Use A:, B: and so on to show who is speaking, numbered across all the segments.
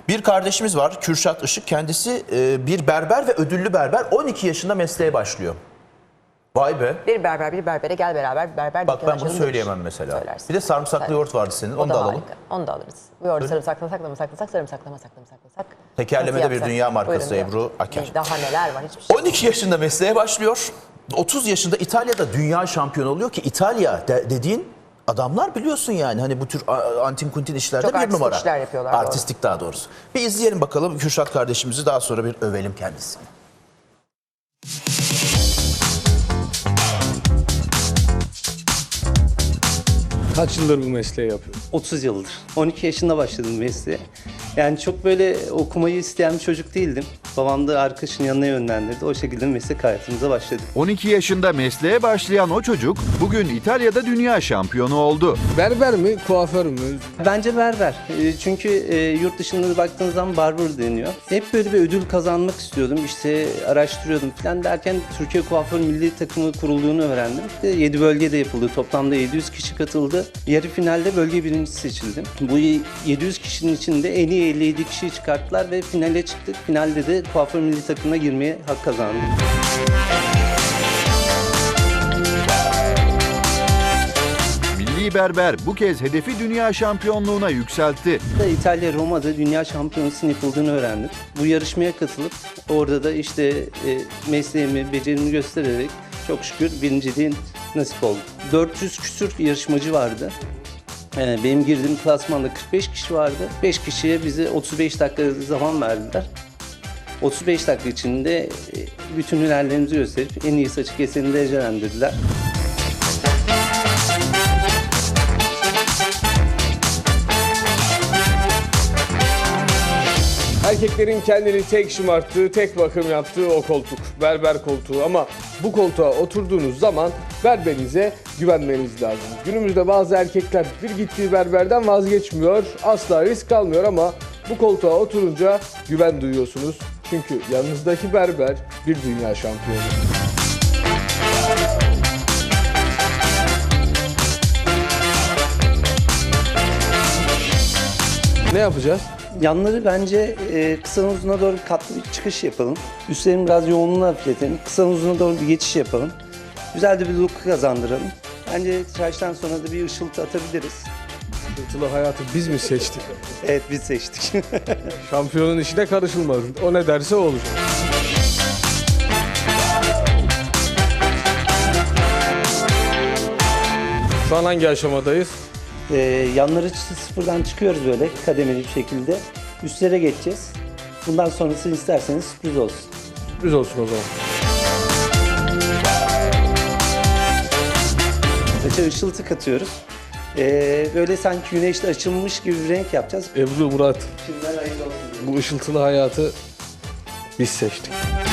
A: Bir kardeşimiz var, Kürşat Işık. Kendisi bir berber ve ödüllü berber. 12 yaşında mesleğe başlıyor. Vay be.
B: Bir berber bir berbere gel beraber bir berber.
A: Bak ben bunu söyleyemem mesela.
B: Söylersin.
A: Bir de sarımsaklı yoğurt vardı senin. Onu da alalım.
B: Harika. Onu da alırız. Bu yoğurdu sarımsaklasak, sarımsaklasak.
A: Tekerlemede bir dünya markası
B: Buyurun,
A: Ebru Aker.
B: Daha neler var, hiçbir şey.
A: 12 yaşında mesleğe başlıyor. 30 yaşında İtalya'da dünya şampiyonu oluyor ki İtalya dediğin adamlar biliyorsun yani. Hani bu tür antin kuntin işlerde
B: Çok
A: bir
B: artistik
A: numara.
B: işler yapıyorlar,
A: Artistik daha doğrusu. Bir izleyelim bakalım Kürşat kardeşimizi, daha sonra bir övelim kendisini.
C: Kaç yıldır bu mesleği yapıyorum?
D: 30 yıldır. 12 yaşında başladım mesleğe. Yani çok böyle okumayı isteyen bir çocuk değildim. Babam da arkadaşının yanına yönlendirdi. O şekilde meslek hayatımıza başladık.
E: 12 yaşında mesleğe başlayan o çocuk bugün İtalya'da dünya şampiyonu oldu.
C: Berber mi, kuaför mü?
D: Bence berber. Çünkü yurt dışında baktığınız zaman barber deniyor. Hep böyle bir ödül kazanmak istiyordum. İşte araştırıyordum falan derken Türkiye Kuaför Milli Takımı kurulduğunu öğrendim. 7 bölgede yapıldı. Toplamda 700 kişi katıldı. Yarı finalde bölge birincisi seçildim. Bu 700 kişinin içinde en iyi 57 kişiyi çıkarttılar ve finale çıktık. Finalde de Kuaför Milli Takımı'na girmeye hak kazandım.
E: Milli berber bu kez hedefi dünya şampiyonluğuna yükseltti.
D: İtalya Roma'da dünya şampiyonasının yapıldığını öğrendim. Bu yarışmaya katılıp orada da işte mesleğimi, becerimi göstererek çok şükür birinciliğin nasip oldu. 400 küsür yarışmacı vardı. Benim girdiğim klasmanda 45 kişi vardı. 5 kişiye bize 35 dakika zaman verdiler. 35 dakika içinde bütün hünerlerimizi gösterip en iyi saçı keseni derecelendirdiler.
C: Erkeklerin kendini tek şımarttığı, tek bakım yaptığı o koltuk. Berber koltuğu, ama bu koltuğa oturduğunuz zaman berberinize güvenmeniz lazım. Günümüzde bazı erkekler bir gittiği berberden vazgeçmiyor, asla risk almıyor ama bu koltuğa oturunca güven duyuyorsunuz. Çünkü yanınızdaki berber bir dünya şampiyonu. Ne yapacağız?
D: Yanları bence kısadan uzuna doğru katlı bir çıkış yapalım. Üstlerin biraz yoğunluğunu hafifletelim. Kısadan uzuna doğru bir geçiş yapalım. Güzel de bir look kazandıralım. Bence tıraştan sonra da bir ışıltı atabiliriz.
C: Işıltılı hayatı biz mi seçtik?
D: Evet, biz seçtik.
C: Şampiyonun işine karışılmaz. O ne derse o olur. Şu an hangi aşamadayız?
D: Yanları sıfırdan çıkıyoruz böyle kademeli bir şekilde. Üstlere geçeceğiz. Bundan sonrası isterseniz sürpriz olsun.
C: Sürpriz olsun o zaman.
D: Saça ışıltı katıyoruz. Böyle sanki güneşte açılmış gibi bir renk yapacağız.
C: Ebru, Murat,
D: Şimdiden hayırlı olsun diyorum.
C: bu ışıltılı hayatı biz seçtik.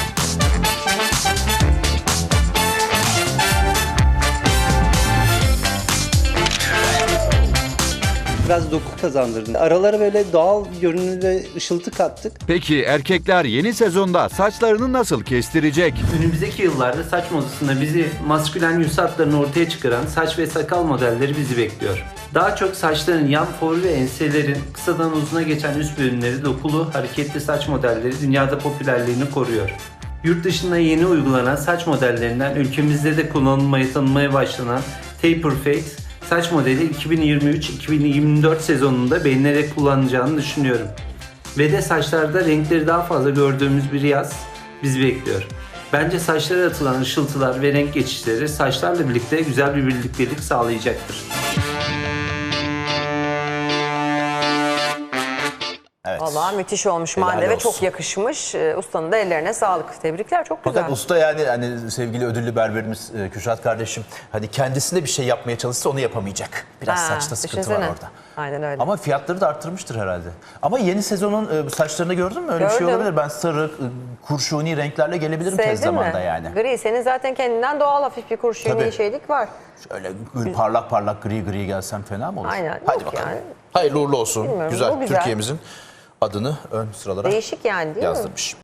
D: Biraz doku kazandırdım. Aralara böyle doğal görünümlü ve ışıltı kattık.
E: Peki erkekler yeni sezonda saçlarını nasıl kestirecek?
F: Önümüzdeki yıllarda saç modasında bizi maskülen yüz hatlarını ortaya çıkaran saç ve sakal modelleri bizi bekliyor. Daha çok saçların yan for ve enselerin kısadan uzuna geçen üst bölümleri dokulu, hareketli saç modelleri dünyada popülerliğini koruyor. Yurt dışında yeni uygulanan saç modellerinden ülkemizde de tanınmaya başlanan taper fade saç modeli 2023-2024 sezonunda beğenilerek kullanılacağını düşünüyorum. Ve de saçlarda renkleri daha fazla gördüğümüz bir yaz bizi bekliyor. Bence saçlara atılan ışıltılar ve renk geçişleri saçlarla birlikte güzel bir birliktelik sağlayacaktır.
A: Evet.
B: Vallahi müthiş olmuş
A: Helal
B: Mande ve
A: olsun.
B: çok yakışmış. Ustanın da ellerine sağlık. Tebrikler, çok güzel.
A: Fakat usta yani hani sevgili ödüllü berberimiz Kürşat kardeşim, hani kendisinde bir şey yapmaya çalışsa onu yapamayacak. Biraz saçta sıkıntı var
B: düşünsene.
A: orada.
B: Aynen öyle.
A: Ama fiyatları da arttırmıştır herhalde. Ama yeni sezonun saçlarını gördün mü? Öyle bir şey
B: Gördüm.
A: olabilir. Ben sarı, kurşuni renklerle gelebilirim tez
B: Sevdin mi?
A: zamanda yani.
B: Gri. Senin zaten kendinden doğal hafif bir kurşuni
A: Tabii.
B: şeylik var.
A: Şöyle parlak parlak gri gelsem fena mı olur?
B: Aynen.
A: Hadi
B: Yok
A: bakalım.
B: yani.
A: Hayırlı uğurlu olsun.
B: Bilmiyorum,
A: Güzel.
B: bu güzel.
A: Türkiye'mizin adını ön sıralara
B: Değişik yani, değil mi?
A: yazdırmış.